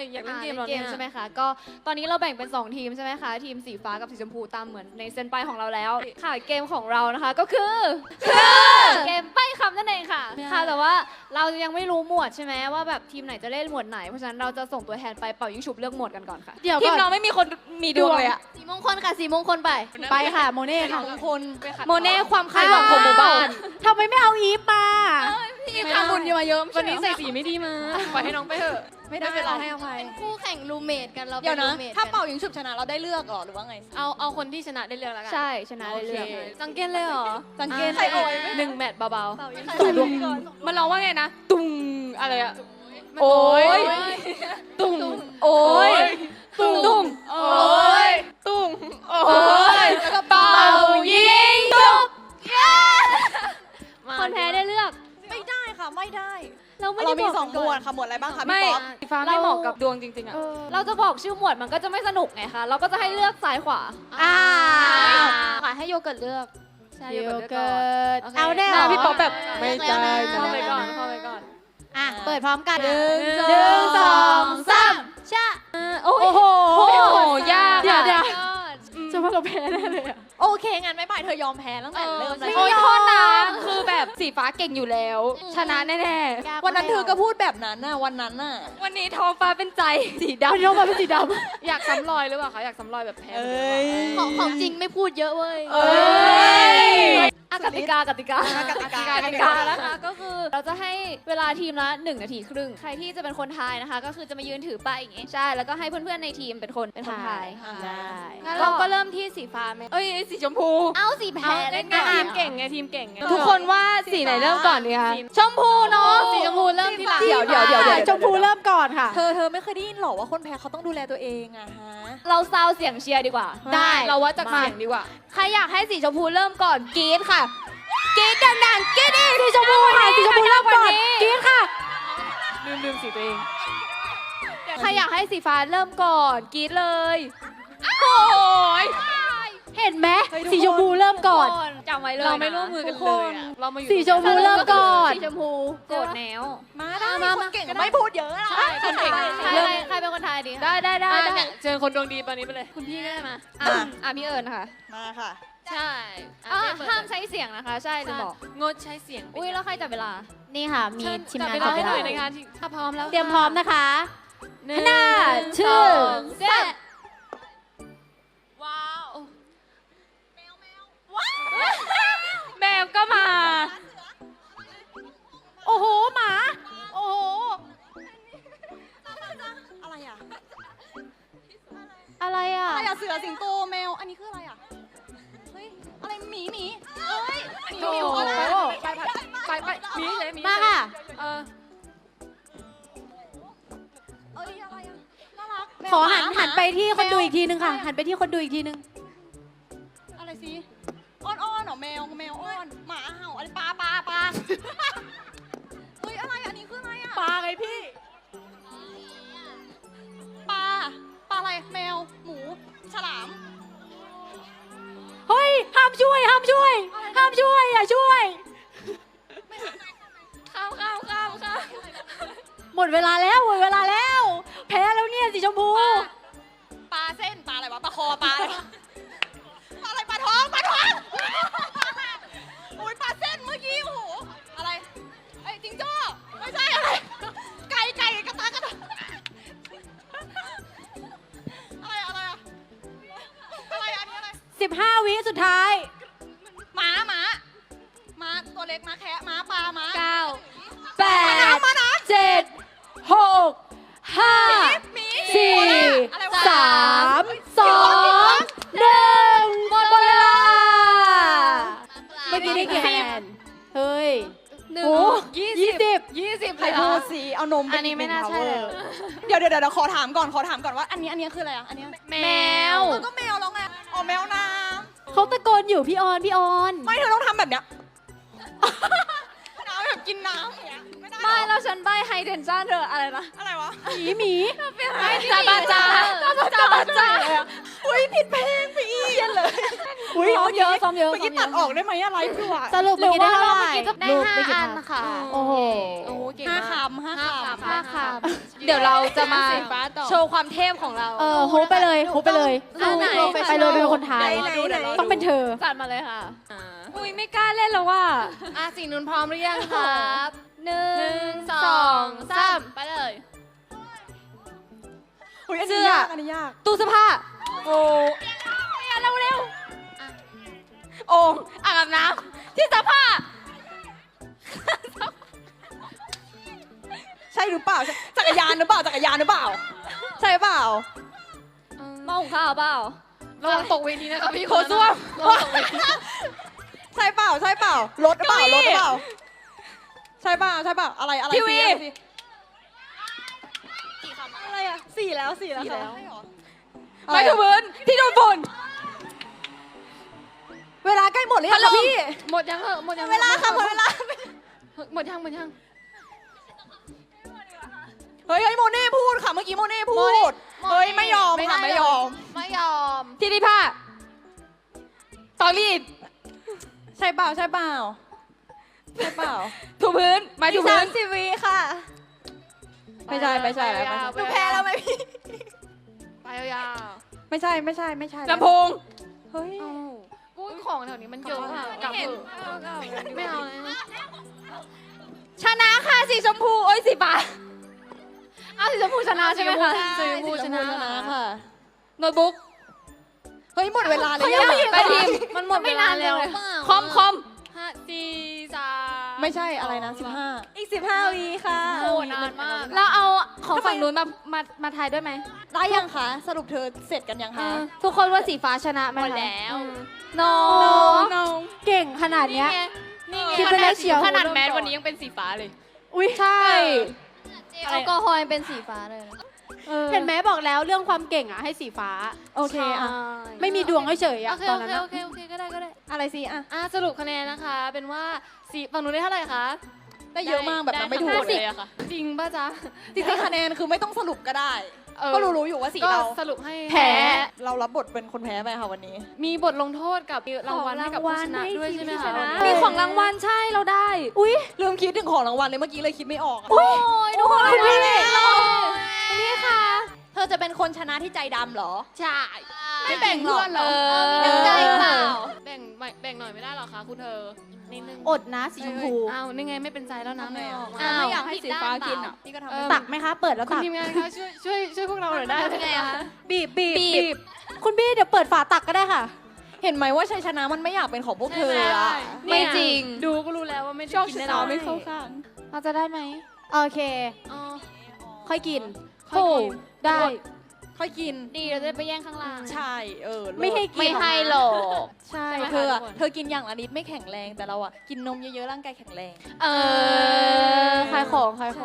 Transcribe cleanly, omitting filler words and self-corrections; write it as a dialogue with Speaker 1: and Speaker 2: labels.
Speaker 1: อยากเล่นเกมเรา
Speaker 2: ใช่ไหมคะก็ตอนนี้เราแบ่งเป็น2ทีมใช่ไหมคะทีมสีฟ้ากับสีชมพูตามเหมือนในเซนไปของเราแล้วค่ะเกมของเรานะคะก็คือเกมใบ้คำนั่นเองค่ะแต่ว่าเรายังไม่รู้หมวดใช่ไหมว่าแบบทีมไหนจะเล่นหมวดไหนเพราะฉะนั้นเราจะส่งตัวแทนไปเป่ายิงฉุบเลือกหมวดกันก่อนค่ะ
Speaker 3: เดี๋ยว
Speaker 1: ที
Speaker 3: ก่
Speaker 1: ม
Speaker 3: อน
Speaker 1: เราไม่มีคนมีดวงเลยอะ
Speaker 2: สีมงคลค่ะสีมงคลไป
Speaker 3: ไปค่ะโมเน่ค่ะ
Speaker 1: มงคลโมเน่ความคาดหวังของหมู่บ้าน
Speaker 3: ทำไมไม่เอาอีฟมา
Speaker 1: พี่ทำบุญเยอะเยอะวันนี้ใส่สีไม่ดีมาปล่อยให้น้องไปเถอะ
Speaker 3: ไม่ได้เราให้อภัย
Speaker 2: คู่แข่งรูเมทกันเรา
Speaker 4: เดี๋ยวนะ
Speaker 2: ป็
Speaker 4: ถ้า
Speaker 2: รูมทกั
Speaker 4: เป่ายิงฉุบชนะเราได้เลือกเหรอหรือว่าไง
Speaker 1: เอาคนที่ชนะได้เลือกแล้วกัน
Speaker 2: ใช่ชนะได้เลือก
Speaker 1: จังเก้นเลยเหรอ
Speaker 4: จังเกน
Speaker 1: ใครโอยหนึ่งแมตช์เบาๆตุ่มมันร้องว่าไงนะตุ่มอะไรอะโอ้ยตุ่มโอ้ยตุ่มตุ่มโอ้ยตุ่มโอ้ยแล้วก็เป่ายิงฉุบ
Speaker 2: คนแพ้ได้เลือก
Speaker 4: ไม่ได้ค่ะไม่ได้
Speaker 2: เราไม่ได้
Speaker 4: เรามี
Speaker 2: บอก
Speaker 4: สองหมวดค่ะหมวดอะไรบ้างคะ
Speaker 1: ไม่
Speaker 4: พี่ป๊อป
Speaker 1: สีฟ้าไม่เหมาะกับดวงจริงๆอะ
Speaker 2: เราจะบอกชื่อหมวดมันก็จะไม่สนุกไงคะเราก็จะให้เลือกซ้ายขวา
Speaker 3: ขายให้โยเกิร์ตเลือก
Speaker 2: ใช่
Speaker 3: โย
Speaker 2: เลือก
Speaker 3: เกิร์ต
Speaker 2: โอเค
Speaker 3: เอาแน่
Speaker 1: หน้าพี่ป๊อปแบบ
Speaker 2: ไม่ได้
Speaker 1: เข้าไปก่อนเข้าไปก่อน
Speaker 3: อ่ะเปิดพร้อมกัน
Speaker 1: หนึ่ง
Speaker 3: หนึ่งสองสาม
Speaker 2: ชะ
Speaker 1: โอ้โหยาก
Speaker 3: เดี๋ยว
Speaker 1: อะ
Speaker 3: จะว่าเราแพ้แน่เลยอ่ะ
Speaker 4: โอเคงั้นไม่ไปเธอยอมแพ้ตั้งแต่เริ่มเลย
Speaker 1: โอ้ยโทษนะคือแบบสีฟ้าเก่งอยู่แล้ว ชนะแน่
Speaker 4: วันนั้นเธอก็พูดแบบนั้นน่ะวันนั้นน่ะ
Speaker 1: ๆวันนี้ท้องฟ้าเป็นใจสีด
Speaker 3: วันนี้เรามาเป็นสีด
Speaker 1: ำอยากซ้ำรอยหรือเปล่าคะอยากซ้ำรอยแบบแพ้
Speaker 2: ของจริงไม่พูดเยอะเว้ย
Speaker 1: เอ้ย
Speaker 2: กติกา
Speaker 4: กติกา
Speaker 2: นะคะก็คือเราจะให้เวลาทีมละ1 นาทีครึ่งใครที่จะเป็นคนทายนะคะ ก็คือจะมายืนถือป้ายอย่างงี้ใช่แล้วก็ให้เพื่อนๆในทีมเป็นคนทาย
Speaker 3: ได้
Speaker 1: งั้นเราก็เริ่มที่สีฟ้าไหมเอ้ยสีชมพู
Speaker 2: เอาสีแพ้เล่นก่อน
Speaker 1: ทีมเก่งไงทีมเก่งไงทุกคนว่าสีไหนเริ่มก่อนดีคะชมพูเนาะสีชมพูเริ่มทีหลัง
Speaker 4: เดี๋ยว
Speaker 3: ชมพูเริ่มก่อนค่ะ
Speaker 4: เธอไม่เคยได้ยินหรอว่าคนแพ้เขาต้องดูแลตัวเองอะฮะ
Speaker 2: เราซาวเสียงเชียร์ดีกว่า
Speaker 1: ได้เราวัดจากเสียงดีกว่า
Speaker 2: ใครอยากให้สีชมพูเริ่มก่อนกรี๊ดค่ะกรี๊ดดังๆกรี๊ดอีก
Speaker 3: สีชมพูค่ะสีชมพูเริ่มก่อนกรี๊ดค่ะ
Speaker 1: ลืมสีตัวเอง
Speaker 2: ใครอยากให้สีฟ้าเริ่มก่อนกรี๊ดเลย
Speaker 1: โอ้ย
Speaker 3: เห็นไหมสีชมพูเริ่มก่อน
Speaker 2: จำไว้เลย
Speaker 1: เราไม่ร่วมมือกันเลยอะเรามาอยู่
Speaker 3: สีชมพูเริ่มก่อน
Speaker 2: สีชมพูโกรธแนว
Speaker 4: มาได้คนเก่งก็ไม่พูดเยอะนะ
Speaker 1: ใช่คนเก่ง
Speaker 2: ใครเป็นคนทายดี
Speaker 1: ได้เจอคนดวงดีตอนนี้ไปเลย คุณพี่ก็ได้มา
Speaker 2: พี่เอิญค่ะ
Speaker 4: มาค่ะ
Speaker 1: ใช่
Speaker 2: ห้ามใช้เสียงนะคะ ใช่จะบอก
Speaker 1: งดใช้เสียง
Speaker 2: อุ้ยแล้วใครจับเวลา
Speaker 3: นี่ค่ะ มีทีมงาน
Speaker 1: จั
Speaker 3: จั
Speaker 1: บบ เว
Speaker 3: เว
Speaker 1: ลา
Speaker 3: ลา
Speaker 1: ให้หน่อยในงานที่ถ้าพร้อมแล้ว
Speaker 3: เตรียมพร้อมนะคะ
Speaker 1: หนึ่ง
Speaker 3: ห้า
Speaker 1: สอง
Speaker 2: เจ็ด
Speaker 1: ว้าวแมวก็มา
Speaker 3: โอ้โหหมา โอ้โห
Speaker 4: อะไรอะ
Speaker 3: อะไรอ่ะ
Speaker 4: อะไรอะเสือสิงโตแมวอันนี้คืออะไรอะเฮ้ยอะไรหมีเอ้ยหมี
Speaker 1: โอ้โห
Speaker 4: อะไร
Speaker 1: ไปมีเลยมี
Speaker 3: มาค่ะ
Speaker 1: เออ
Speaker 4: เอ้ยอะไรอะน่ารัก
Speaker 3: ขอหันไปที่คนดูอีกทีนึงค่ะ หันไปที่คนดูอีกทีนึง
Speaker 4: อะไรสิอ้อนเหรอแมวอ้อนหมาเห่าอะไรปลาเฮ้ยอะไรอันนี้คืออะไรอะ
Speaker 3: ปลาไงพี่
Speaker 4: ปลาอะไรแมวหมูฉลาม
Speaker 3: เฮ้ย ห้ามช่วย อย่าช่วย
Speaker 1: ข้าม
Speaker 3: หมดเวลาแล้ว แพ้แล้วเนี่ยสีชมพู
Speaker 4: ปลาเส้นปลาอะไรวะปลาคอปลาอะไรปลาท้องโอ้ยปลาเส้นเมื่อกี้โอ้โหอะไรไอ้จิงโจ้ไม่ใช่อะไรไก่กระตากระตาอะไรอะอะไรอันนี้อะไร
Speaker 3: 15 วิสุดท้าย
Speaker 4: หมาตัวเล็กหมาแคะหมาปลาหมา
Speaker 3: 8 7 6 5
Speaker 4: หมี
Speaker 3: 4
Speaker 4: อะไรวะ
Speaker 3: 3 2 1 หมดเวลา เมื่อกี้ได้กี่คะแนน เฮ้ย
Speaker 2: 1
Speaker 3: โอ้
Speaker 1: 20
Speaker 4: ใครพูดสิเอานม
Speaker 1: อันนี้ไม่น่าใช่เลย
Speaker 4: เดี๋ยวขอถามก่อนว่าอันนี้คืออะไรอะอันนี้
Speaker 1: แมว
Speaker 4: ก็แมวแล้วไงอ๋อแมวน้
Speaker 3: เขาตะโกนอยู่พี่ออน
Speaker 4: ำไม่เธอต้องทำแบบเนี้ยน้ำแบบกินน้ำอย่างเงี้ยไม่ได้หร
Speaker 2: ไม่
Speaker 4: อ
Speaker 2: แล้วฉันใบไฮเดนซ่าเธออะไรนะ
Speaker 4: อะไรวะ
Speaker 3: หมี
Speaker 1: จาบาจา
Speaker 4: อุ้ยผิดเพลงไปอีก
Speaker 3: อุ้ย
Speaker 2: ซ้อมเยอะซ้อมเยอะ
Speaker 4: เมื่อกี้ตัดออกได้ไหมอะไรคืออะ
Speaker 3: สรุปเมื่อกี้ได้เท่าไหร่
Speaker 2: ได้
Speaker 3: รูป
Speaker 2: 5
Speaker 3: ได้กี่
Speaker 2: อัน
Speaker 3: ภาพ
Speaker 2: ค่ะ
Speaker 3: โอ้โห
Speaker 1: โอ้เก่ง
Speaker 4: ห้าม
Speaker 1: าก
Speaker 4: คำห้าคำ
Speaker 2: ห้าค
Speaker 1: เดี๋ยวเราจะมา
Speaker 2: สีฟ้าต่อ
Speaker 1: โชว์ความเทพของเรา
Speaker 3: โฮปไปเลยโฮปไปเลย
Speaker 2: อันไหน
Speaker 3: ไปเลยเป็นคนไทย
Speaker 4: ไหน
Speaker 3: ต้องเป็นเธอ
Speaker 2: จัดมาเลยค่ะ
Speaker 1: อุ้ยไม่กล้าเล่นแล้วว่า
Speaker 2: สิ่งนู้นพร้อมหรือยังครับ1 2 3ไปเลย
Speaker 4: อุ้ยอันนี้ยากอันนี้ยาก
Speaker 1: ตู้เสื้อผ้า
Speaker 4: โอ้
Speaker 1: เร็วเร็วโอ่งอ่างอาบน้ำที่ซักผ้า
Speaker 4: ใช่หรือเปล่าจักรยานหรือเปล่าจักรยานหรือเปล่า ใช่เปล่า
Speaker 2: หม้อหุงข้าวเปล่า
Speaker 1: ระวังตกเวทีนะคะพี่โคซ่วม
Speaker 4: ใช่เปล่าใช่เปล่ารถหรือเปล่ารถหรือเปล่าใช่เปล่าใช่เปล่าอะไรอะไร
Speaker 1: ทีวี
Speaker 4: สิอะไรอะสี่แล้วค่ะ
Speaker 1: ไม้ถูพื้นที่โดนฝุ่น
Speaker 4: เวลาใกล้หมดหรือยัง
Speaker 1: พัดล
Speaker 4: คะ
Speaker 1: ม
Speaker 4: พี่
Speaker 2: หมดยังเหอะหมดยัง
Speaker 4: เวลาค่ะหมดเวลา
Speaker 2: หมดยังหมดยัง
Speaker 4: เฮ้ยโมเน่พูดค่ะเมื่อกี้โมเน่พูดเฮ้ยไม่ยอมค่ะไม่ยอม
Speaker 2: ไม่ยอม
Speaker 1: ที่รีดผ้าตอรีด
Speaker 4: ใช่เปล่าใช่เปล่าใช่เปล่า
Speaker 1: ถูพื้นไม้ถูพื้น
Speaker 4: 30 วิค่ะ ไม่ใช่ไม่ใช่แล้วไม่ใช่หนูแพ้แล้วไหมพี่
Speaker 2: ไปยาว
Speaker 4: ไม่ใช่ไม่ใช่ไม่ใช่
Speaker 1: ลำโพง
Speaker 4: เฮ้ย
Speaker 2: ๆกุ้ยของแถวนี้มันเยอะค่ะกลับเถอะไม่เอาเลย
Speaker 1: ชนะค่ะสีชมพูโอ้ยสีฟ้า
Speaker 2: อ้าวสีชมพูชนะใช่ไหมคะ
Speaker 4: สีชมพูชนะค่ะ
Speaker 1: โน้ตบุ๊ก
Speaker 4: เฮ้ยหมดเวลาเลย
Speaker 1: ไปทีม
Speaker 2: มันหมดเวลาแล้ว
Speaker 1: คอม
Speaker 2: 5 4 3
Speaker 4: ไม่ใช่อะไรนะ15อีก15 วิค่ะ
Speaker 2: โอ้นานมาก
Speaker 1: เราเอาของฝั่งนู้นมาทายด้วยไหม
Speaker 4: ได้ยังคะสรุปเธอเสร็จกันยังคะ
Speaker 3: ทุกคนว่าสีฟ้าชนะไหม
Speaker 2: หมด
Speaker 3: คะ
Speaker 2: แล้ว
Speaker 1: น้อ
Speaker 4: น้อง
Speaker 3: เก่งขนาดเนี้ย
Speaker 2: นี่ไง
Speaker 3: คิดไปแล้วเชียว
Speaker 1: ขนาดแมสวันนี้ยังเป็นสีฟ้าเลย
Speaker 3: อุ้ยใช่
Speaker 2: แอลกอฮอล์เป็นสีฟ้าเลย
Speaker 3: เห็นไหมบอกแล้วเรื่องความเก่งอ่ะให้สีฟ้า
Speaker 4: โอเคอะ
Speaker 3: ไม่มีดวงเฉยๆ
Speaker 2: โอ
Speaker 3: อะ
Speaker 2: เค
Speaker 3: ตอ
Speaker 2: โอน
Speaker 3: นั้น
Speaker 2: เค
Speaker 3: อะ
Speaker 2: โอเคโอเคก็ได้ก็ได้
Speaker 4: อะไรสิอะ
Speaker 2: สรุปคะแนนนะคะ เป็นว่าสีฝั่งนู้นได้เท่าไหร่คะ
Speaker 4: ได้เยอะมากแบบนับไม่ถูก
Speaker 2: 50เลยอะค่ะ จริงป่ะจ๊ะ
Speaker 4: จริงๆคะแนนคือไม่ต้องสรุปก็ได้ ก็รู้อยู่ว่าสี
Speaker 2: ก็
Speaker 4: เรา
Speaker 2: สรุปให้
Speaker 4: แพ้เรารับบทเป็นคนแพ้ไปค่ะวันนี้
Speaker 2: มีบทลงโทษกับรางวัลให้กับผู้ชนะด้วยใช่ไหมคะ
Speaker 1: มีของรางวัลใช่เราได้
Speaker 4: อุ้ยลืมคิดถึงของรางวัลเลยเมื่อกี้เลยคิดไม่ออกอะ
Speaker 2: โอ้ยทุกคน
Speaker 4: คุณพี่
Speaker 2: นี่ค่ะ
Speaker 4: เธอจะเป็นคนชนะที่ใจดำเหรอ
Speaker 2: ใช่
Speaker 4: ไม่แบ่งเพื่อนเหรอ
Speaker 2: มีน้ำใจเปล่าแบ่งหน่อยไม่ได้หรอคะคุณเธอนิดนึง
Speaker 3: อดนะสีชมพู
Speaker 2: อ้าวนี่ไงไม่เป็นใจแล้วนะไม่ออก
Speaker 1: อ้าว
Speaker 4: ไม่อยากให้สีฟ้ากินอ่ะพี่ก็ทำไม่ได้
Speaker 3: ตักไหมคะ เปิดแล้ว
Speaker 2: คุณ
Speaker 3: ตัก
Speaker 2: ทีมงานคะช่วยพวกเราหน่อยได้ไหมคะ
Speaker 4: บีบ
Speaker 3: คุณพี่เดี๋ยวเปิดฝาตักก็ได้ค่ะ
Speaker 4: เห็นไหมว่าชัยชนะมันไม่อยากเป็นของพวกเธออะ
Speaker 1: ไม่จริง
Speaker 2: ดูก็รู้แล้วว่าไม่ได้
Speaker 4: ชอบ
Speaker 2: กิน
Speaker 4: ช
Speaker 2: แน่
Speaker 4: นะ
Speaker 2: นอน
Speaker 4: ไม่เข้าข้าง
Speaker 3: เราจะได้ไหม โอเค
Speaker 2: อ๋อ
Speaker 3: ค่อยกิน
Speaker 2: ค่อยกิน
Speaker 3: โอ้ได้
Speaker 4: ค่อยกิน
Speaker 2: ดีเราจะไปแย่งข้างล่าง
Speaker 4: ใช่เลิศ
Speaker 3: ไม่ให้กิน
Speaker 1: ไม่ให้หรอก
Speaker 4: ใช่
Speaker 2: ใช่ไหมคะ
Speaker 4: เธออะ
Speaker 2: ทุกคน
Speaker 4: เธอกินอย่างละนิดไม่แข็งแรงแต่เราอะกินนมเยอะๆร่างกายแข็งแรง
Speaker 3: ขายของขายข